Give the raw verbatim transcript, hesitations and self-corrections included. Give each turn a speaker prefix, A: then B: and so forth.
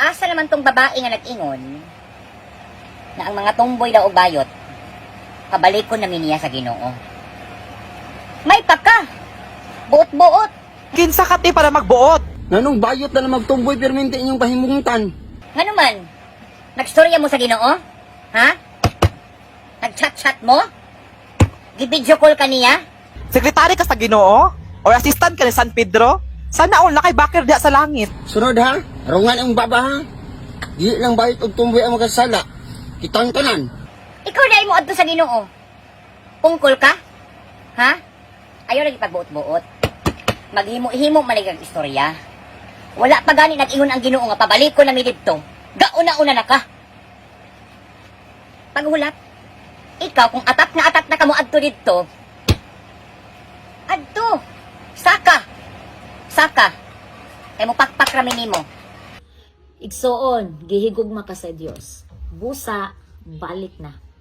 A: asa naman tong babae nga nag-ingon na ang mga tomboy daw og bayot pabalikon na niya sa Ginoo. May paka. Buot-buot.
B: Kinsa ka ti para magbuot?
C: Nanong bayot na na magtumboy permente inyong pahimungutan.
A: Ngano man? Nagstorya mo sa Ginoo? Ha? Nag-chat-chat mo? Gi-video call ka niya?
B: Sekretary ka sa Ginoo? Or assistant ka ni San Pedro? Sana all na kay bakir diya sa langit.
C: Sunod ha, rungan ang baba ha. Di lang bayot og tumboy ang magkasala. Kitang tanan.
A: Ikaw na mo adto sa Ginoo. Pungkol ka? Ha? Ayaw lagi pagbuot-buot. Maghimo-himo maligag istorya. Wala pa gani nag-ingon ang Ginoo nga pabalik ko na mi didto. Gauna-una na ka. Paghulat. Ikaw kung atap na atap na kamo adto didto. Adto. Saka. Saka. Kay mo pakpak rami nimo.
D: Igsoon, gihigugma ka sa Dios. Busa, balik na.